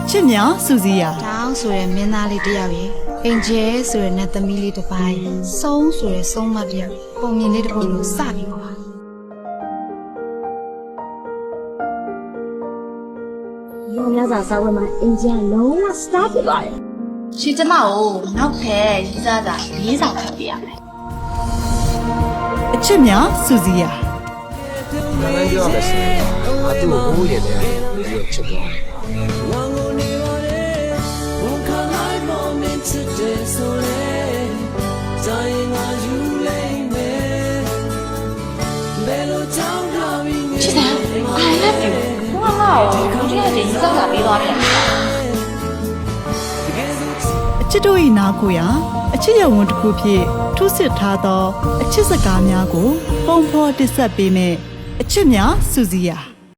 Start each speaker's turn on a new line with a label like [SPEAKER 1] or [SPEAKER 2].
[SPEAKER 1] ချစ်များစူစီယာ
[SPEAKER 2] တောင်းဆိုရဲမင်းသားလေးတယောက်ရေအင်ဂျယ်ဆိုရဲနတ်သမီးလေးတစ်ပိုင်းဆုံးဆိုရဲဆုံးမတယောက်ပုံမြင်လေးတစ်ပုဒ်လို့စပြီးပါ
[SPEAKER 3] ရောများစွာစာဝတ်မှာအင်ဂျင်လုံးဝစတားဖြစ်သွားတယ်
[SPEAKER 4] ရှင်ကျမကိုနောက်ထပ်ရေးစားစာ၄ဆောင်ဖတ်ပြရမယ်
[SPEAKER 1] အချစ်များစူစီယာ
[SPEAKER 5] 那就要的是，他对我无言的，没有吃过。
[SPEAKER 4] ချစ်တယ် I love you ဘာမှမဟုတ်ဘူးဒီကတည်းကရေးစားစာပေးသွားတယ်
[SPEAKER 1] အချစ်တို့၏နားကိုရာအချစ်ရုံဝန်တစ်ခုဖြင့်ထုစစ်ထားသောအချစ်စကားများကိုပုံဖော်တင်ဆက်ပေးမယ်အချစ်များစူစီယာ